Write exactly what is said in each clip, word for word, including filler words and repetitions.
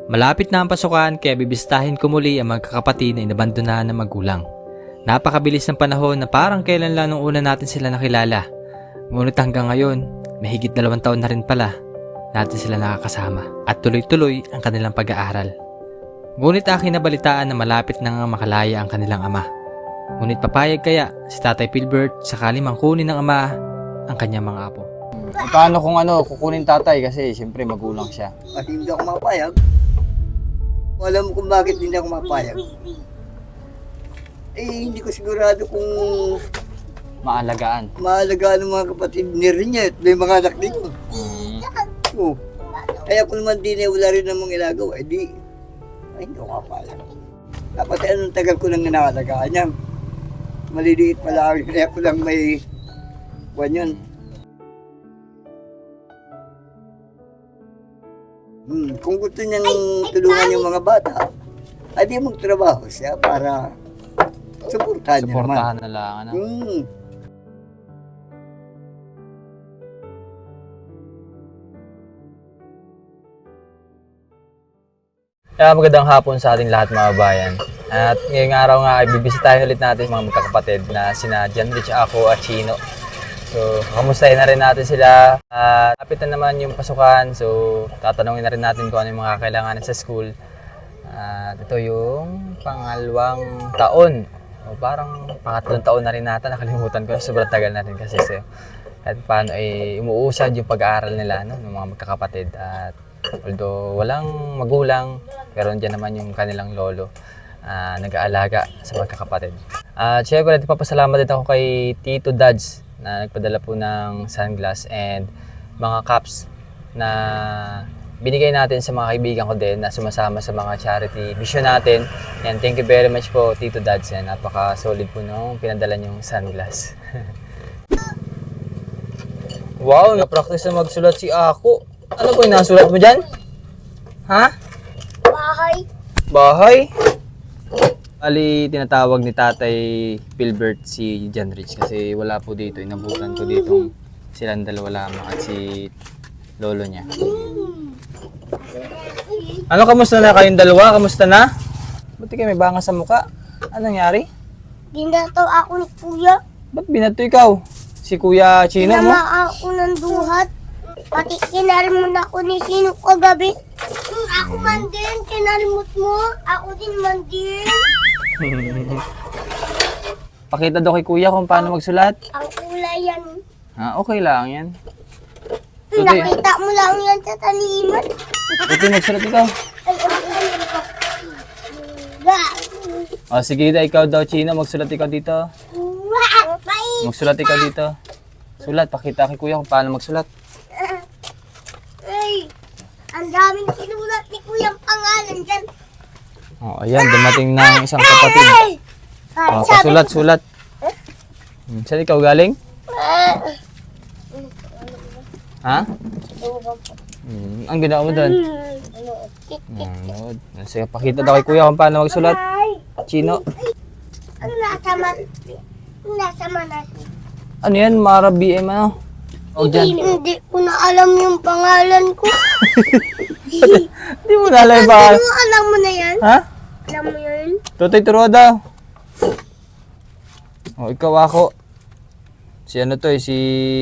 Malapit na ang pasukan kaya bibistahin ko muli ang magkakapatid na inabandonahan ng magulang. Napakabilis ng panahon na parang kailan lang nung una natin sila nakilala. Ngunit hanggang ngayon, mahigit dalawang taon na rin pala natin sila nakakasama at tuloy-tuloy ang kanilang pag-aaral. Ngunit aking nabalitaan na malapit na nga makalaya ang kanilang ama. Ngunit papayag kaya si Tatay Philbert sakali mang kunin ng ama ang kanyang mga apo. Paano kung ano, kukunin tatay kasi siyempre magulang siya. At hindi ako mapayag. Alam mo kung bakit hindi ako mapayag. Eh, hindi ko sigurado kung Maalagaan. maalagaan ng mga kapatid ni rin niya at may mga anak din ko. Mm. Oh. Kaya kung naman din eh, wala rin namang ilagaw, eh di, ay, hindi ako mapayag. Dapat eh, anong tagal ko nang nangalagaan niya. Maliliit pala ako, kaya ko lang may buwan yun. Hmm, kung gusto niyang tulungan yung mga bata, ay di magtrabaho siya para suportahan niya naman. Suportahan na lang. Ano? Hmm. Kaya magandang hapon sa ating lahat mga bayan. At ngayong araw nga ay bibisitahin ulit natin mga magkakapatid na sina Janrich, ako at Chino. So, kamustahin na rin natin sila. At lapit na naman yung pasukan. So, tatanungin na rin natin kung ano yung mga kailangan sa school. At ito yung pangalawang taon. O parang pangatlong taon na rin nata. Nakalimutan ko. Sobrang tagal na rin kasi. So, at paano ay umuusad yung pag-aaral nila, no, ng mga magkakapatid. At although walang magulang, pero nandiyan naman yung kanilang lolo uh, nag-aalaga sa magkakapatid. At uh, syempre, papasalamat din ako kay Tito Dads na nagpadala po ng sunglass and mga caps na binigay natin sa mga kaibigan ko din na sumasama sa mga charity mission natin. And thank you very much po, Tito Dads. Yan, napaka-solid po nung pinadala niyong sunglass. Wow, na-practice na magsulat si Ako. Ano po yung nasulat mo dyan? Ha? Bahay. Bahay? Ali, tinatawag ni Tatay Philbert si Janrich kasi wala po dito. Inabutan ko dito silang dalawa lamang at si lolo niya. Ano, kamusta na kayong dalawa? Kamusta na? Ba't di kayo may bangas sa muka? Anong nangyari? Ginataw ako ni Kuya. Ba't binato ikaw? Si Kuya Chino mo? Pinama ako ng duhat. Pati kinalimut ako ni Sino kagabi. Hmm, ako man din, kinalimut mo. Ako din man din. Pakita daw kay Kuya kung paano magsulat. Ang kulay yan. Ah, okay lang yan. Hmm, Tutoy, nakita mo lang yan sa taliman. tutoy magsulat ikaw. Ay, ano ano ko? Ga. O sige, da, ikaw daw Chino, magsulat ikaw dito. Wah, bye. Magsulat ikaw dito. Sulat, pakita kay Kuya kung paano magsulat. Ay, ang daming sinulat ni Kuya ang pangalan dyan. O, ayan, dumating na ang isang kapatid. Ay! O, pasulat, sulat. Hmm, saan ikaw galing? Ha? Hmm, ang ginawa mo doon? Hmm, sige, pakita daw kay Kuya kung paano magsulat. Chino. Ang nasa man, ang nasa man natin. Ano yan? Mara B M ano? O dyan. Hindi ko na alam yung pangalan ko. Hindi mo nalay ba? Ano, alam mo na yan? Ha? Alam mo yun? Tutoy, turo daw. O, ikaw ako. Si ano to eh, si...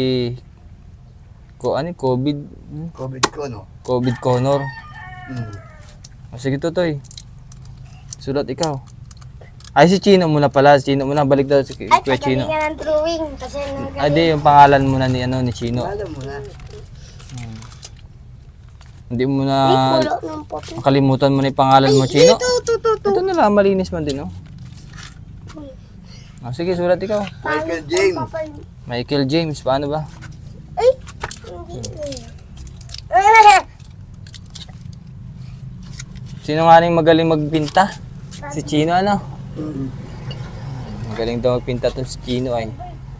Ko, ano, COVID? Hmm? COVID ko, no? COVID Connor. Hmm. O, sige, Tutoy. Sulat ikaw. Ay, si Chino muna pala. Si Chino muna. Balik daw si Ay, Kuya Chino. pagaling ng drawing. Kasi Ay, di, yung pangalan muna ni, ano, ni Chino. Alam mo na. Hindi mo Ay, na... pulo ng puti. Makalimutan mo na yung pangalan mo, Chino. Ito, ito, ito, ito. Ito na lang, malinis man din, oh. O, sige, sulat ikaw. Michael James. Michael James, paano ba? Ay, hindi. Ah, Sino nga rin magaling magpinta? Si Chino, ano? Hmm. Magaling daw magpinta to si Chino, ay.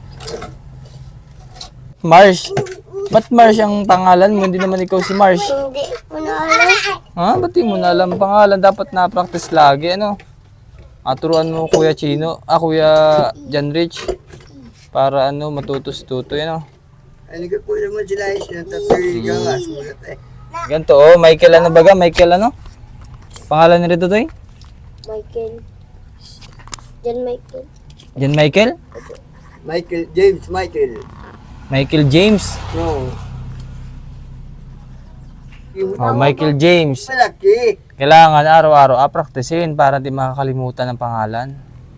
Mars. Ba't Mars ang pangalan mo? Hindi naman ikaw si Mars. Hindi ko na alam. Ha? Ba't di mo na alam ang pangalan? Dapat na-practice lagi, ano? Aturuan mo Kuya Chino, ah Kuya Janrich. Para ano, matutos-tuto, ano? Ay, nagkapo naman sila eh. Sinatatoy ka nga, sulat eh. Ganito, oh, Michael ano baga? Michael ano? Pangalan ni Rito, Toy? Michael. John Michael. John Michael? Michael, James Michael. Michael James. No. Yung Oh, Michael James. malaki. Kailangan araw-araw apraktisin para di makakalimutan ng pangalan.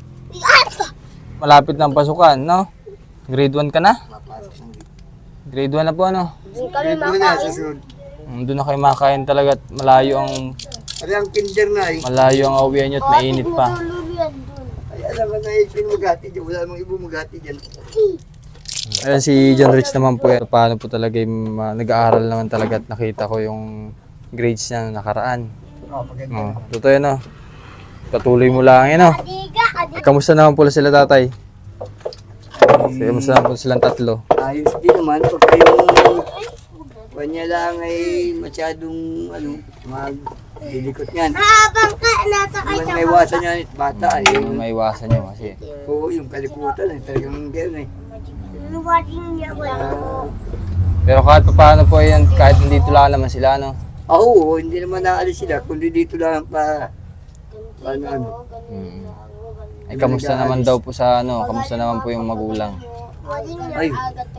Malapit ng pasukan, no? Grade one ka na? Grade one na po, ano? Doon kami Ito na sa makain. sunod. Mm, Doon na kayo makain talaga at malayo ang Ano ang kinder na eh. malayo ang awian nyo at mainit pa. Natulog yan doon. Ay, alam mo na yung pinumagati dyan. Wala namang ibang magati dyan. Ayan si John Rich naman po. eh, Paano po talaga yung ah, nag-aaral naman talaga at nakita ko yung grades niya nung nakaraan. Oh, maganda. Oh, totoo yun, no? Patuloy mo lang yun, no? Adiga, adiga. Kamusta naman pala sila, tatay? Kamusta naman po silang tatlo? Ayos din naman. Pagka yung kanya lang ay masyadong ano, mag-dilikot yan. Habang ka nasa May kanya. may iwasan yan at bata ay. Yung maiwasan nyo kasi. Oo, yung kalikutan ay talagang gano'n eh. Luwading niya wala. Ah, Pero kahit pa paano po yan, kahit nandito lang naman sila, no? ah, oo, hindi naman naalis sila. Kundi dito lang pa, ano, ano. Mm. Ay, kamusta naman daw po sa ano? Kamusta naman po yung magulang? Ay,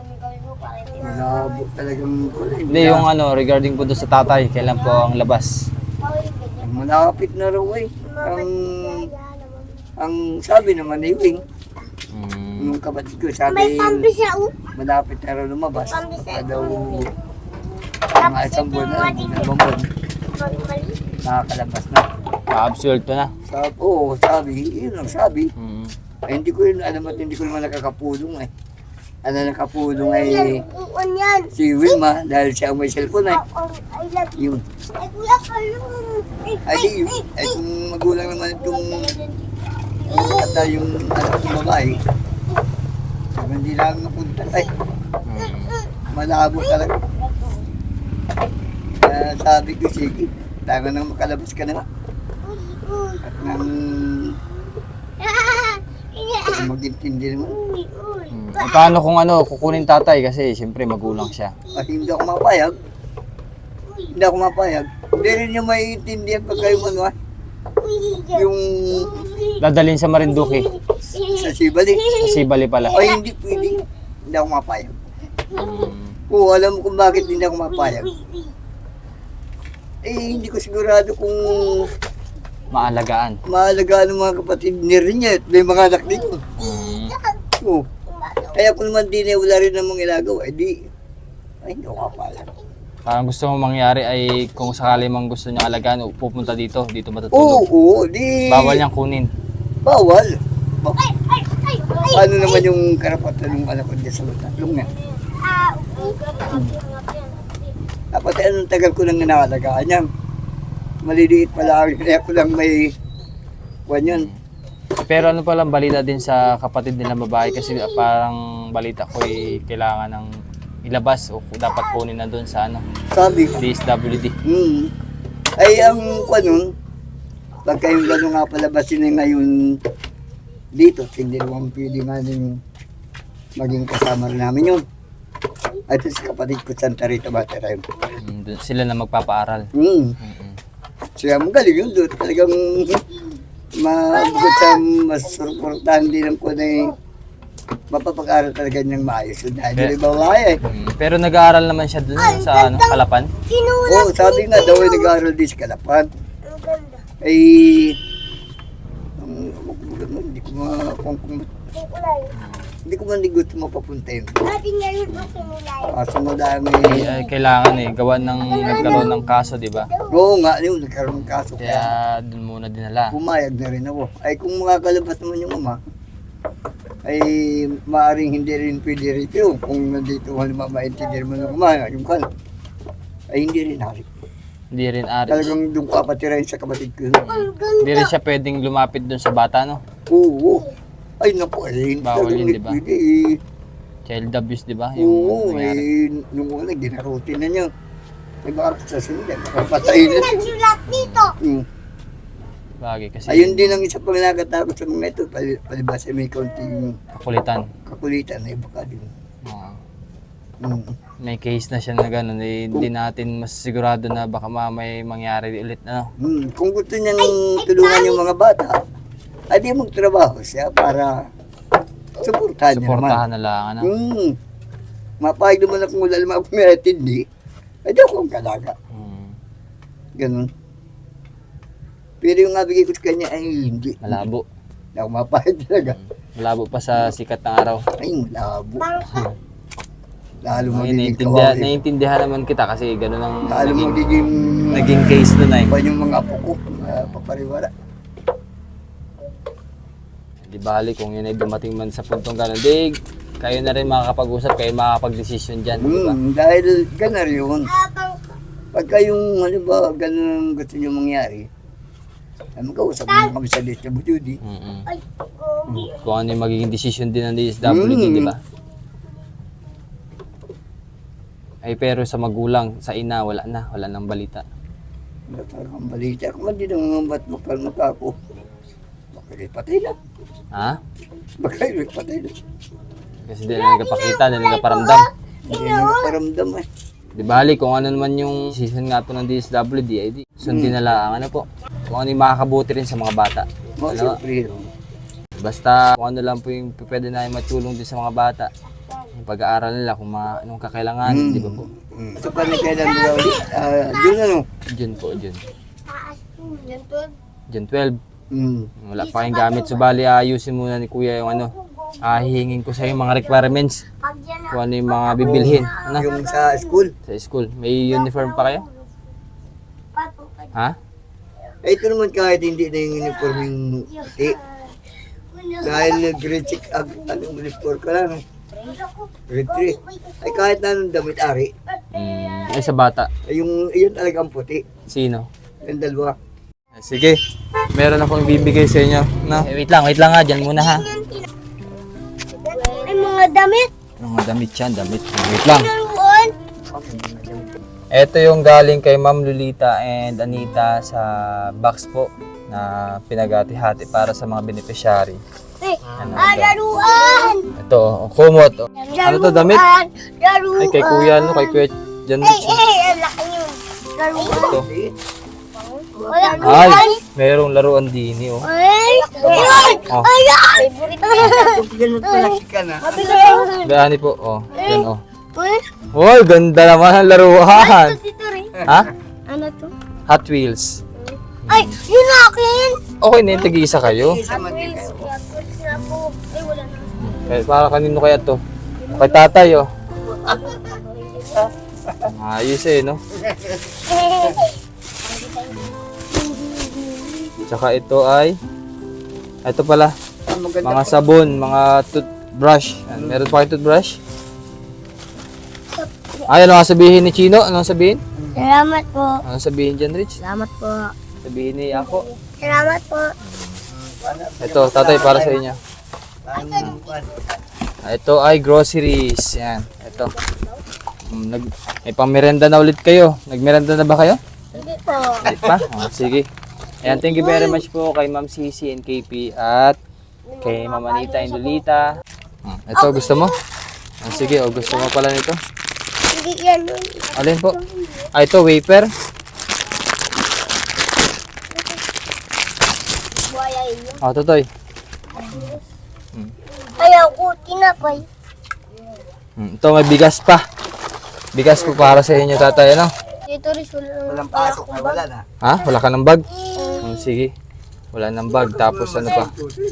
malabo talagang kulay. Hindi, yung ano, regarding po doon sa tatay, kailan po ang labas? Malapit na raw eh. Ang, ang sabi naman ni Wing, Mm. yung kapatid ko, May sabi pambi siya oh. malapit na raw lumabas. Pambi siya. Baka daw mga isang buwan na, dalawang buwan, Mali. nakakalabas na. Pa-absuelto na. Sabi, oo, sabi, yun lang sabi. Mm. Ay, hindi ko yun alam at hindi ko naman nakakapulong eh. Ano nakapulong ay Uwan yan. si Wilma dahil siya ang may cellphone ay Oh, I love you. yun. Ay, kuya, kalung. Ay, di, ay kung magulang naman itong bata yung anak ng babae, sabi, hindi lang napunta. Ay, Mm. malabo talaga. Kaya sabi ko, sige, tayo nang makalabas ka na nga. At nang mag-intindi naman. Mm. Eh, paano kung ano, kukunin tatay kasi siyempre magulang siya. At hindi ako mapayag. Hindi ako mapayag. Hindi rin niya maiintindihan pag kayo ano ah. Yung Dadalhin sa Marinduque. sa Sibali. Sa Sibali pala. Ay, hindi pwede. Hindi ako mapayag. Mm. Oo, alam mo kung bakit hindi ako mapayag. Eh, hindi ko sigurado kung Maalagaan. maalagaan ng mga kapatid ni Rinya at may mga anak dito. Mm. Oo. Kaya kung naman din eh, wala rin namang ilagaw, eh di, ay, hindi ako mapayag. Parang gusto mong mangyari ay kung sakali mang gusto niya alagaan, pupunta dito, dito Oo, matutulog. oo, di. Bawal niyang kunin. Bawal. Ba- Paano naman yung karapatan ng anak ko dyan sa tatlong nga? Dapat eh, anong tagal ko nang inaalagaan yan. Maliliit pala ako, kaya ko lang may kwan yun. Pero ano palang balita din sa kapatid nila babae kasi parang balita ko ay kailangan ng ilabas o dapat kunin na doon sa ano, Sabi, D S W D. hmm, ay ang kwan nun, pagka yung gano'n nga palabasin na ngayon dito, hindi naman pwede nga din maging kasama rin namin yun. At sa kapatid ko, Santa Rita Batera yun. Mm, dun sila na magpapaaral. Hmm. Mm-mm. Siya magaling yun doon. Talagang mabugot sa mas suportahan din ang ko na eh, mapapag-aral talaga niyang maayos. So, dahil Yeah. yung babae eh. Mm, Pero nag-aaral naman siya doon sa ano, Kalapan. Oo, oh, sabi nga daw ay nag-aaral din sa Kalapan. Ang ganda. Ay, um, hindi ko ma, kung, kung, Kulay. hindi ko man din gusto mapapunta yun. Dati nga yun ang kulay. Kaso madami. Ay, ay, kailangan eh, gawa ng nagkaroon ng kaso, di ba? Oo nga, yun, nagkaroon ng kaso. Kaya Kaya doon muna dinala. pumayag na rin ako. Ay kung makakalabas naman yung ama, ay maaring hindi rin pwede rito. Kung nandito halimbawa maintindihan mo ng ama, yung kan, ay hindi rin hari. Hindi rin ari. Talagang doon ka patirahin sa kapatid ko. Ang ganda. Hindi rin siya pwedeng lumapit doon sa bata, no? Oo. Ay naku, eh, hindi Bawal talagang yun, di ba? pwede eh. Child abuse, di ba? Yung Oo, nangyari. eh, nung una, ginarutin na niya. Ay baka sa sunod, baka patayin na. Nagsulat dito. Hmm. Bagay kasi Ayun din ang isa pang nakatakot sa mga ito, pal- palibasa may kaunting kakulitan. kakulitan na iba ka din. Oo. Hmm. may case na siya na gano'n, eh, hindi natin mas sigurado na baka mamay mangyari ulit, ano? Hmm, kung gusto niyang tulungan yung mga bata, ay di magtrabaho siya para suportahan niya naman. Suportahan na lang, ano? Hmm. Mapahig naman akong wala naman ako may atindi. Ay di ako ang kalaga. Hmm. Ganun. Pero yung nabigay ko sa kanya ay hindi. Malabo. Hindi ako mapahig talaga. Malabo pa sa sikat ng araw. Ay, malabo. Lalo mo Ngayon, din naiintindihan, naiintindihan naman kita kasi gano'n ang Lalo mo naging, din naging case nun ay. pa yung mga apo ko. Uh, papariwara. Di bali kung yun ay dumating man sa puntong gano'n, di kayo na rin makakapag-usap, kayo makakapag-desisyon dyan, di ba? Hmm, dahil ganar yun. Pagka yung, ano ba, ganun ang gusto niyo mangyari, ay magkausap mo kami sa D S W D. Mm-mm. Kung ano yung magiging desisyon din ng D S W D, Mm. di ba? Ay pero sa magulang, sa ina, wala na, wala nang balita. Wala talagang balita. Kung hindi nang ba't magkalmata ako, baka kayo patay na. Ha? Baka kayo patay na. Kasi di na nagpapakita, di na nagparamdam. Hindi na nagparamdam eh. Di bali, kung ano naman yung decision nga po ng D S W D, ay di, sundin na lang, ano po, kung ano yung makakabuti rin sa mga bata. Mga Ano? siyempre yun. Basta kung ano lang po yung pwede na matulong din sa mga bata. Yung pag-aaral nila kung mga, anong kakailanganin, Mm. di ba po? Mm. Ito pa rin kailan mo ulit. Ah, yun ano. June po, June. Yan to. June twelve. Mm. Wala pa kayong gamit. So bali, ayusin muna ni Kuya yung ano. Ah, hihingin ko sa yung mga requirements. Pag yan na. Kung ano yung mga bibilhin. Ano? Yung sa school. Sa school. May uniform pa kayo? Patukad. Ha? Eh, ito naman kahit hindi na yung uniform yung puti. Dahil grade six, ag, anong uniform ka lang. Grade three. Ay kahit na anong damit ari. Mm, ay sa bata. Ay yung, yun talagang puti. Sino? Yung dalawa. Sige. Meron akong ibibigay sa inyo. No? Eh, wait lang, wait lang nga. Diyan muna ha. Ay, mga damit. Mga damit yan, damit. Wait lang. Naroon. Ito yung galing kay Ma'am Lolita and Anita sa box po na pinagati-hati para sa mga beneficiary. Ay, Ano, ah, ito? laruan. Ito, oh, kumot. oh. Ano to, damit? Laruan. Laruan. Ay, kay Kuya, no? Kay Kuya Jan Ay, Rich. ay, ang laki yun. Laruan. Ito. Wala Ay, merong laruan din eh, oh. Ay, ay, Oh. ay, Kung ganun pala ka na. Gani po, oh. Yan, oh. ay. Uy, ganda naman ang laruan. Dito rin. Ha? Ano to? Hot Wheels. Ay, yun na akin. Okay na yung tag-iisa kayo. Isa man din kayo. Kaya po, ay wala na. Eh, para kanino kaya to? Kay tatay, oh. Ayos eh, no? Tsaka ito ay, ito pala, Ang maganda mga sabon, mga toothbrush. Yan, meron pa kayo toothbrush? Ay, ano nga sabihin ni Chino? Ano nga sabihin? Salamat po. Ano sabihin dyan, Rich? Salamat po. Sabihin ni ako. Salamat po. Ito, tatay, para sa inyo. Ah, Ito ay groceries. Yan, ito. Mm, Nag, may pang-merenda na ulit kayo. Nag-merenda na ba kayo? Hindi po. Hindi pa? Oh, sige. Ayan, thank you very much po kay Ma'am Cici and K P at kay Ma'am Anita and Lolita. Hmm, ito, gusto mo? Ah, sige, oh, gusto mo pala nito. Hindi yan yun. Alin po? Ah, ito, wafer. Buhaya yun. Ah, tutoy. Ayaw ko, tinapay. Hmm, ito, may bigas pa. Bigas po para sa inyo, tatay, ano? Dito rin wala naman Walang para pasok na akong wala bag. na. Ha? Wala ka ng bag? Hmm, sige. Wala ng bag. Tapos ano pa?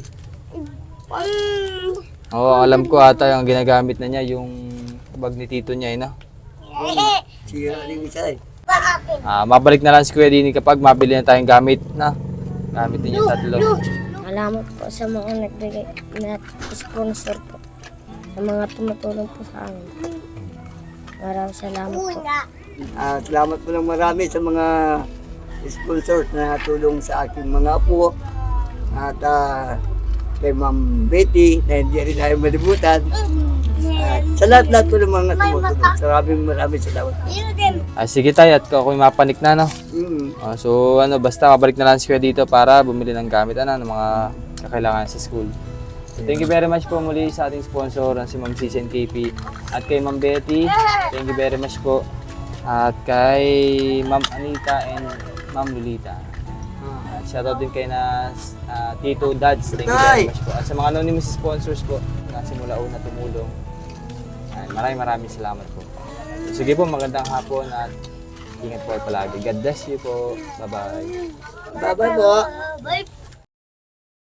Mm. Oo, alam ko ata yung ginagamit na niya, yung bag ni tito niya, eh, no? Sira rin isa eh. Pa akin. Ah, mabalik na lang si Kuya Dini kapag mabili na tayong gamit, na. Gamit niyo yung tatlo. Salamat po sa mga nagbigay na sponsor po. Sa mga tumutulong po sa amin. Maraming salamat po. Ah, salamat po ng marami sa mga sponsors na tulong sa aking mga apo. At ah, kay Ma'am Betty na hindi rin tayo malibutan. At sa lahat-lahat po ng mga tumutulong. Maraming maraming salamat. Ah, sige tayo, at ako mapanik na, no? Mm. Ah, so, ano, basta mabalik na lang si Kuya dito para bumili ng gamit, ano, ng mga kakailangan sa school. So, thank you very much po muli sa ating sponsor na si Ma'am Cici and K P at kay Ma'am Betty. Thank you very much po. At kay Ma'am Anita and Ma'am Lolita. At shoutout din kay na ah, Tito Dads. Thank you very much po. At sa mga anonymous sponsors po na simula una tumulong. Ayan, maraming maraming salamat po. So, sige po, magandang hapon at ingat po palagi. God bless you po. Bye-bye. Bye-bye po. Bye.